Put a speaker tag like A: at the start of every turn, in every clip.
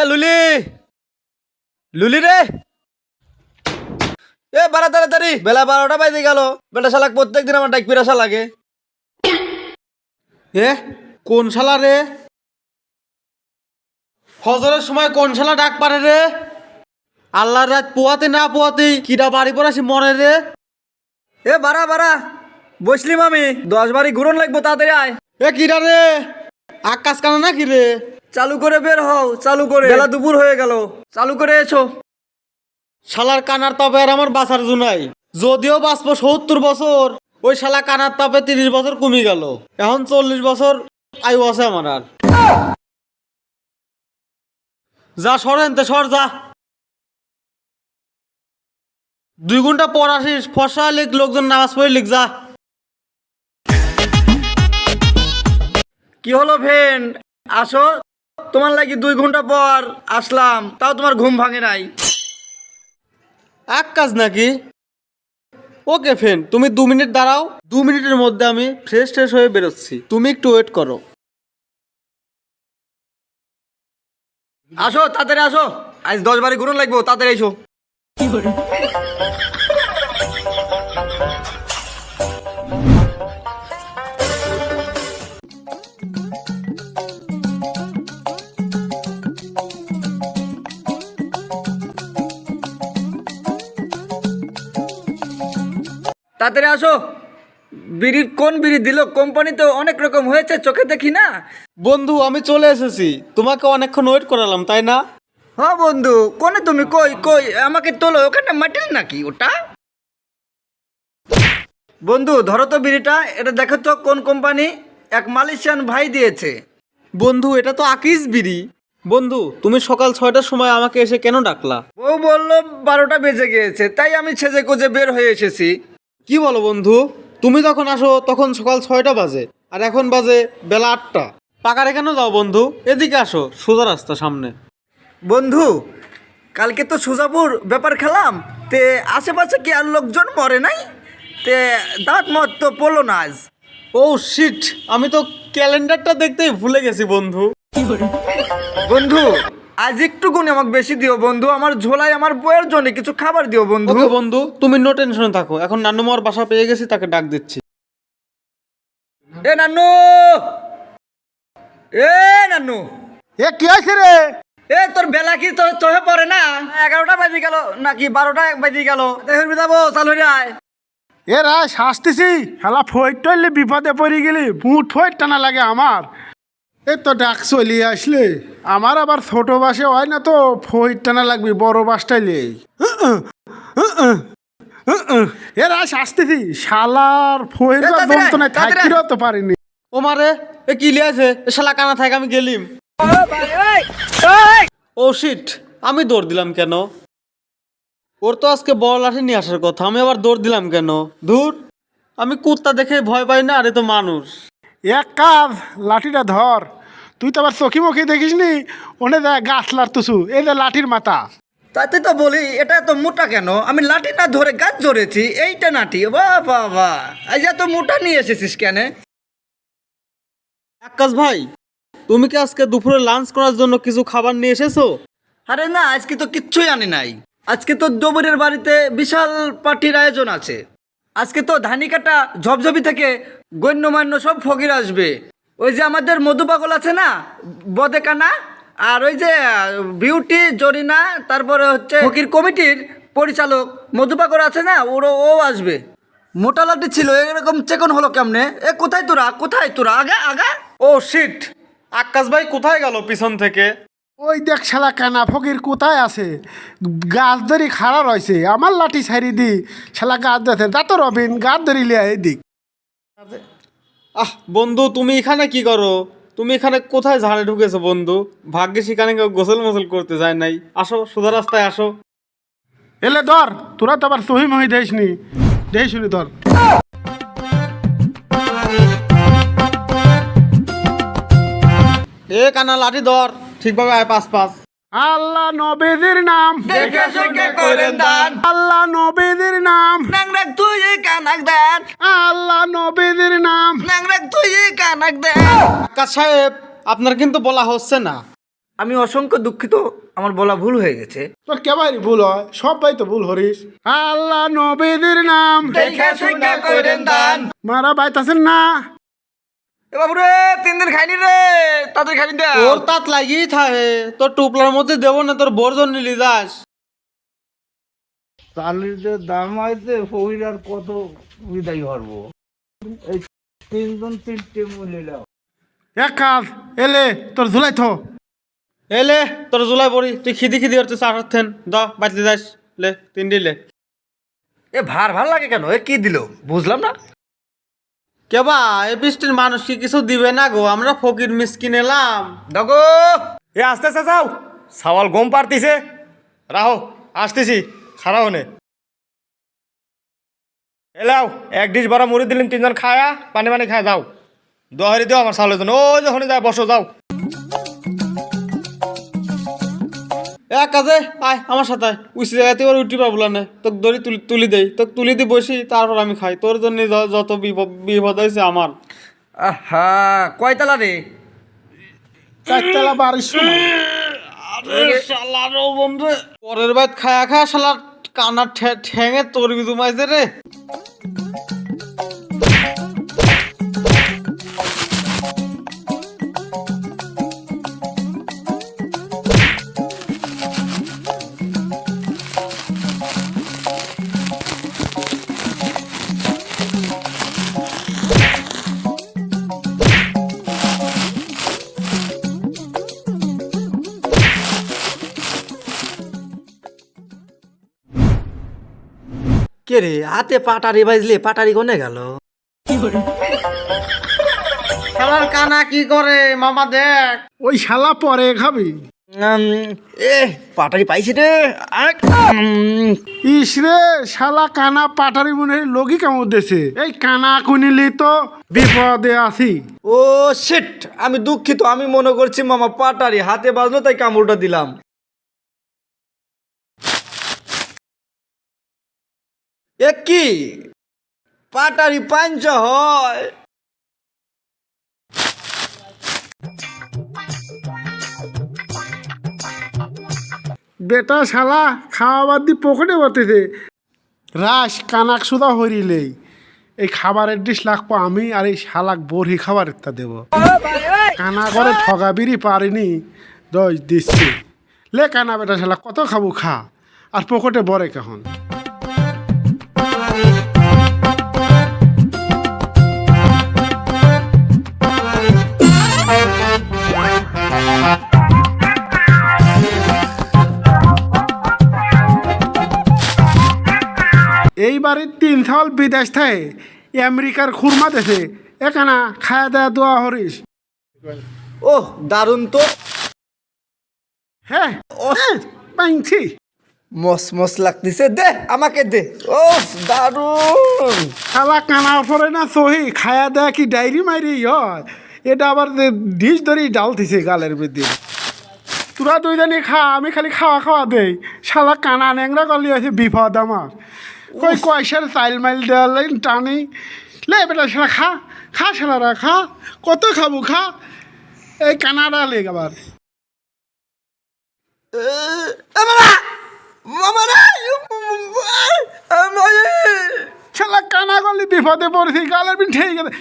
A: লুলি, লুলি রে, বাড়া তাড়াতাড়ি, বেলা 12টা বাজে গেল। বেটা শালাক প্রত্যেকদিন আমার ডাক পিরাসা লাগে।
B: কোন শালা রে? ফজরের সময় কোন শালা ডাক পারে রে? আল্লাহর রাত পোয়াতে না পোয়াতেই কিরা বাড়ি পড়াছি মরে রে।
A: বাড়া বাড়া, বসলিম আমি 10 বাড়ি ঘুরন লাগবো, তাড়াতাড়ি আয়।
B: কিরা রে? আকাশ কানা না কি রে?
A: চালু করে বের হও, চালু করে, বেলা দুপুর হয়ে গেল, চালু করে এসো।
B: শালার কানার তাপে আর আমার বাঁচার জুনাই। যদিও বাঁচবো 70 বছর, ওই শালা কানার তাপে 30 বছর কমে গেল। এখন 40 বছর আয়ু আছে আমার। আর যা সরেনতে সর যা। 2 ঘন্টা পর আসিস, ফসা লিখ, লোকজন নামাজ পড়ে লিখ যা।
A: কি হলো ফ্রেন্ড, আসো। তোমার লাগি 2 ঘন্টা পর আসলাম, তাও তোমার ঘুম ভাঙে নাই।
B: এক কাজ নাকি? ওকে ফ্রেন্ড, তুমি 2 মিনিট দাঁড়াও। 2 মিনিটের মধ্যে আমি ফ্রেশ হয়ে বেরোচ্ছি, তুমি একটু ওয়েট করো।
A: আসো তাড়াতাড়ি আসো, আজ 10 বাড়ি ঘুরন লাগবো, তাড়াতাড়ি এসো। তাড়াতাড়ি আসো। বিড়ির কোন বিড়ি দিল? কোম্পানি তো অনেক রকম হয়েছে, চোখে দেখি না।
B: বন্ধু আমি চলে এসেছি, তোমাকে অনেকক্ষণ ওয়েট করালাম তাই না?
A: হ্যাঁ বন্ধু, কোনে তুমি? কই কই আমাকে তোলো, ওখানে মাটির নাকি ওটা? বন্ধু ধরো তো বিড়িটা, এটা দেখো তো কোন কোম্পানি। এক মালয়েশিয়ান ভাই দিয়েছে।
B: বন্ধু এটা তো আকিস বিড়ি। বন্ধু তুমি সকাল 6টার সময় আমাকে এসে কেন ডাকলা?
A: ও বললো 12টা বেজে গিয়েছে, তাই আমি সেজে কোজে বের হয়ে এসেছি।
B: কি বলো বন্ধু? তুমি যখন আসো তখন সকাল 6টা বাজে, আর এখন বাজে বেলা 8টা। পাকারে কেন যাও বন্ধু? এদিকে আসো, সোজা রাস্তা সামনে।
A: বন্ধু কালকে তো সুজাপুর ব্যাপার খেলাম, তে আশেপাশে কি আর লোকজন মরে নাই? তে দাঁত মত তো পড়লো না আজ।
B: ও শিট, আমি তো ক্যালেন্ডারটা দেখতেই ভুলে গেছি বন্ধু।
A: বন্ধু আজ একটু গুণ আমাকে বেশি দিও বন্ধু, আমার ঝোলায় আমার বইয়ের জন্য কিছু খাবার দিও বন্ধু।
B: ওকে বন্ধু, তুমি নো টেনশনে থাকো, এখন নান্নুমার বাসা পেয়ে গেছি, তাকে ডাক দিচ্ছি।
A: নান্নু, নান্নু,
C: কি আছে রে?
A: তোর বেলা কি তো চোখে পড়ে না? 11টা বাজে গেল নাকি 12টা বাজে গেল? দেখবি যাবো, চালু হয়ে আয়।
C: রায় শাস্তিছি, শালা ফইট টইলে বিপদে পড়ে গেলি, মুঠ ফইট টানা লাগে আমার। তো ডাক চলিয়ে আসলে আমার আবার ছোট বাসে হয় না, তো ফইট টানা লাগবে, বড় বাসটাইলে। রায় শাস্তিছি, শালার ফইট যন্ত্রণায় থাকিরও তো পারিনি।
B: ও মারে, কি লিয়াছে? শালা কানা থাকে, আমি গেলিম। ও শিট, আমি দৌড় দিলাম কেন? ওর তো আজকে বড় লাঠি নিয়ে আসার কথা, আমি আবার দৌড় দিলাম কেন? ধুর, আমি কুত্তা দেখে ভয় পাই না, আরে তো মানুষ।
C: এক কাজ, লাঠিটা ধর। তুই তো আবার চোখি মুখি দেখিস নি, ওনে দেখ গাছ লাড়তুছু, এই যে লাঠির মাথা।
A: তাতে তো বলি এটা তো মোটা কেন? আমি লাঠি না ধরে গাছ ধরেছি, এইটা নাটি। বাবা আজ এত মোটা নিয়ে এসেছিস কেন?
B: আকাশ ভাই, তুমি কি আজকে দুপুরে লাঞ্চ করার জন্য কিছু খাবার নিয়ে এসেছো?
A: আরে না, আজকে তো কিচ্ছুই আনি নাই। আজকে তো দবরের বাড়িতে বিশাল পার্টির আয়োজন আছে। আজকে তো ধানিকাটা ঝপঝপি থেকে গণ্যমান্য সব ফকির আসবে। ওই যে আমাদের মধু পাগল আছে না, বদেকানা, আর ওই যে বিউটি জরিনা, তারপরে হচ্ছে ফকির কমিটির পরিচালক মধু পাগল আছে না, ও আসবে। মোটা লাঠি ছিল, এরকম চেকন হলো কেমনে? কোথায় তোরা, কোথায় তোরা? আগা আগা।
B: ও শিট, আকাশ ভাই কোথায় গেল পিছন থেকে?
C: ওই দেখ শালা কানা ফকির কোথায় আছে, গাছ ধরি খাড়া রয়েছে, আমার লাঠি ছাড়ি দি, শালা গাছ ধরছে, যা তো রবিন গাছ ধরি লিয়া এদিক।
B: বন্ধু তুমি এখানে কি করো? তুমি এখানে কোথায় ঝাড়ে ঢুকেছো বন্ধু? ভাগ্যিস এখানে কেউ গোসল মোসল করতে যায় নাই। আসো, সোজা রাস্তায় আসো।
C: এলে ধর, তোরা তো আবার সহি মহি দেখিস নি, দেখিস নি ধর।
B: কানা লাঠি ধর, ঠিকভাবে আয়, পাস পাস।
C: আল্লাহ নবীদের নাম,
A: দেখে শুনে করেন দান।
C: আল্লাহ নবীদের নাম,
A: নাংরাক তুই কানাক দেন,
C: আল্লাহ নবীদের নাম।
A: নাংরাক তুই কানাক দেন।
B: আকাশ সাহেব, আপনার কিন্তু বলা হচ্ছে না।
A: আমি অসংখ্য দুঃখিত, আমার বলা ভুল হয়ে গেছে।
C: তোর কেবারই ভুল হয়, সবাই তো ভুল হরিস। আল্লাহ নবীদের নাম
A: দেখা শুনা কইরেন দান।
C: মারা বাইতাছেন না।
A: এ বাবু রে, 3 দিন খাইনি রে, তাড়াতাড়ি খাইনি দে।
B: তোর তাত লাগিয়েই থাকে, তোর টুপলার মধ্যে দেবো না, তোর বর্জন নিলি যাস।
D: চালের যে দাম হয়েছে ফকির আর কত বিদায় করবো, এই 3 জন 3টে মূল্য।
C: এক কাজ এলে তোর ঝুলাই থো।
B: এলে তোর জুলাই পড়ি, তুই খিদি খিদি করতে চার থেন দ বাঁচতে যাস, লে 3 দিলে।
A: এ ভাল লাগে কেন? এ কি দিল বুঝলাম না।
B: কেবা এই বৃষ্টির মানুষ কি কিছু দিবে না গো, আমরা ফকির মিসকিন এলাম।
A: দেখো
E: এ আস্তে আস্তে যাও, সাওয়াল গম পারতিছে। রাহো, আসতেছি, খারাপ হনে। এলাও 1 ডিশ বড় মুড়ি দিলেন, 3 জন খায়া পানি পানি খায় যাও। দোহারি দিও আমার চাউলের জন্য। ও যখন যায় বসো, যাও।
B: এক কাজে আয় আমার সাথে আয়, উঠি জায়গাতে ওর উঠি পাবো না, তোকে দড়ি তুলি দেই, তোকে তুলি দিয়ে বসি, তারপর আমি খাই। তোর জন্য যত বিপদ হয়েছে আমার।
A: আহা, কয়তলা রে?
C: 4 বাড়ির সময়
B: পরের বাইত খায়া খায়া শালার কানার ঠ্যাঙে চর্বি জমাইছে রে।
A: কে রে, হাতে পাটারি বাজলে, পাটারি কোনে গেল?
B: শালার কানা কি করে মামা দেখ।
C: ওই শালা পরে খাবি।
A: এ পাটারি পাইছি রে।
C: ইসরে শালা কানা পাটারি মনে হয় লগি কামড় দিয়েছে। এই কানা কুনিলি তো বিপদে আছি।
A: ও শিট, আমি দুঃখিত। আমি মনে করছি মামা পাটারি হাতে বাজলো তাই কামড়টা দিলাম। এ কি পাটারি পাঞ্চ হয়?
C: বেটা শালা খাওয়া বাদ দিয়ে পকেটে বসতেছে। রাস কানাক সুদা হরিলেই এই খাবারের ডিশ লাগবো আমি, আর এই শালাক বড়ি খাবারেরটা দেব। কানা করে ঠগাবিরি পারিনি, দশ দিচ্ছি। লে কানা বেটা শালা কত খাবো খা, আর পকেটে বরে কেমন। এইবারে 3 সাল বিদেশ থাকে আমেরিকার খুরমা দেশে এখানা খায়া দেয়া দোয়া হরিস।
A: ও দারুণ তো।
C: হ্যাঁ পাইছি।
A: মস মস লাগতেছে, দে আমাকে দে। ও দারুণ।
C: শালা কানা পরে না সহি খায়া দেয়া কি ডায়েরি মাইরি হয়। এটা আবার ডিশ ধরেই ডালতিছে গালের মধ্যে। তোরা দুইজনই খা, আমি খালি খাওয়া খাওয়া দেই। শালা কানা ন্যাংরা করলি আছে বিপদ আমার। কই কয়সার চাইল মাইল দেওয়ার টানি। লে বেটা শালা খা, খা শালারা খা, কত খাবো খা। এই কানাডা লেগ আবার শালা কানা করলি বিপদে পড়েছি, গালের বিন ঠেই গেছে।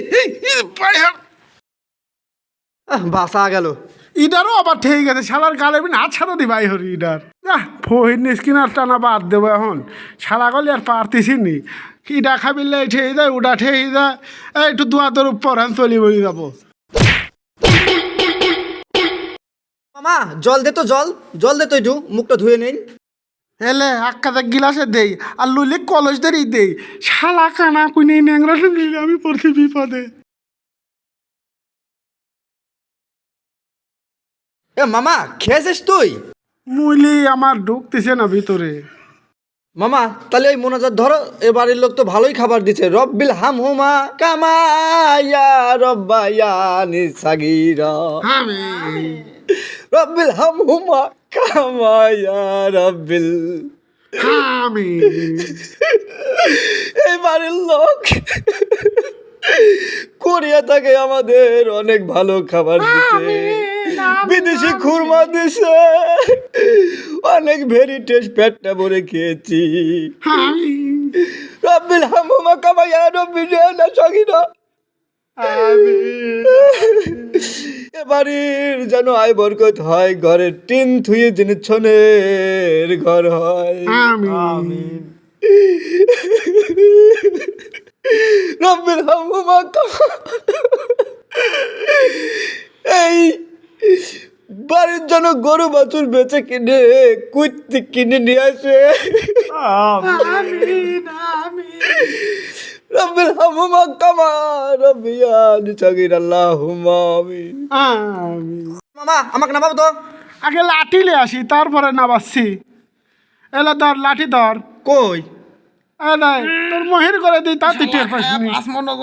A: বাসা গেল।
C: ইডারও আবার ঠেই গেছে, শালার গালের বিন হাত ছাড়া দি ভাই হরি ইডার। ফহির নিস্কিনার টানা বাদ দেবো এখন। শালা গলি আর পারতেছি নি। ইডা খাবিলে ঠেই যায়, ওটা ঠেই যায়। একটু দুয়াদের উপর হ্যাঁ চলি বই যাবো।
A: মামা জল দে তো, জল দে তো, একটু মুখটা ধুয়ে নিন।
C: এলে আক্কাতে গিলাসে দেই, আর লুইলে কলস ধরেই দেই। শালা কানা কুইনে ন্যাংরা শুনলি আমি পড়ছি বিপদে।
A: এ মামা খেয়েছিস তুই?
C: মুইলি আমার ঢুকতেছে না ভিতরে।
A: মামা তাহলে ওই মোনাজাত ধরো, এ বাড়ির লোক তো ভালোই খাবার দিচ্ছে। রব্বিল হাম হুমা কামায়া রব্বায়া নিসাগিরা,
C: আমি
A: রব্বিল হাম হুমা কামায়া রব্বিল।
C: আমি
A: এই বাড়ির লোক কোরিয়া থেকে আমাদের অনেক ভালো খাবার দিচ্ছে।
E: বিদেশি খুরমা দিছে, অনেক ভেরি টেস্ট, পেটটা ভরে খেয়েছি। রব্বিল হামুমা কামাইয়া রব্বিল না সগিরা। এবারের যেন আয় বরকত হয়, ঘরের টিন থুয়ে জিনিস ছনের ঘর হয়।
C: আমিন।
E: রব্বিল হামুমা এই বাড়ির জন্য গরু বাছুর বেচে কিনে কুইতে কিনে নিয়ে আসে। রব্বিল হামুমা কামা রব্বিয়া নিচাগির আল্লাহুম্মা আমিন।
A: মামা আমাকে নামাবো তো।
C: আগে লাঠি লে আসি, তারপরে নামাচ্ছি। এলা ধর, লাঠি ধর।
A: কই
C: নাই তোর মহির করে দিই, তা তুই টের পাস নি।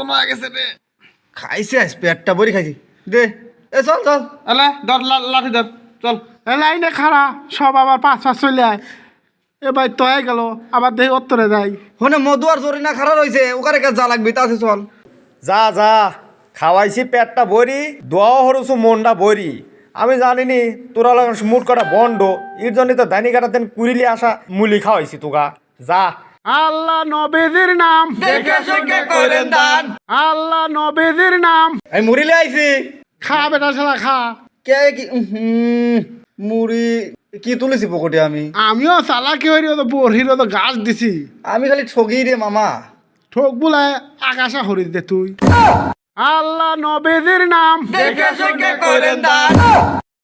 A: খাইছে আজ পেটটা ভরি খাইছি। দে এ চল চল।
B: এলা ধর লাঠি ধর, চল।
C: লাইনে খাড়া, সব আবার পাঁচ চলে আয়। এবার তয়ে গেল, আবার দেহি উত্তরে যাই।
A: হনে মধু আর জরিনা খারাপ রয়েছে, ওখানে কাজ যা লাগবে তাছে চল।
E: যা যা, খাওয়াইছি পেটটা ভরি, দোয়াও হরুছু মনটা ভরি। আমি জানিনি তোরা মুট কটা বন্ড, এর জন্য তো দানি কাটাতেন কুড়িলি আসা মুলি খাওয়াইছি তোগা। যা।
C: আল্লাহ নবীজির নাম,
A: দেখে শুনে করেন দান।
C: আল্লাহ নবীজির নাম।
A: আমি মুড়িলে আইছি।
C: খা বেটা শালা খা।
A: কে কি মুড়ি কি তুলেছি পকেটে আমি।
C: আমিও চালাকি হইরি, তো বড়ির তো গাছ দিছি।
A: আমি খালি ঠগি রে মামা।
C: ঠোক বুলায় আকাশা হরি দে তুই। আল্লাহ নবীজির নাম,
A: দেখে শুনে করেন দান।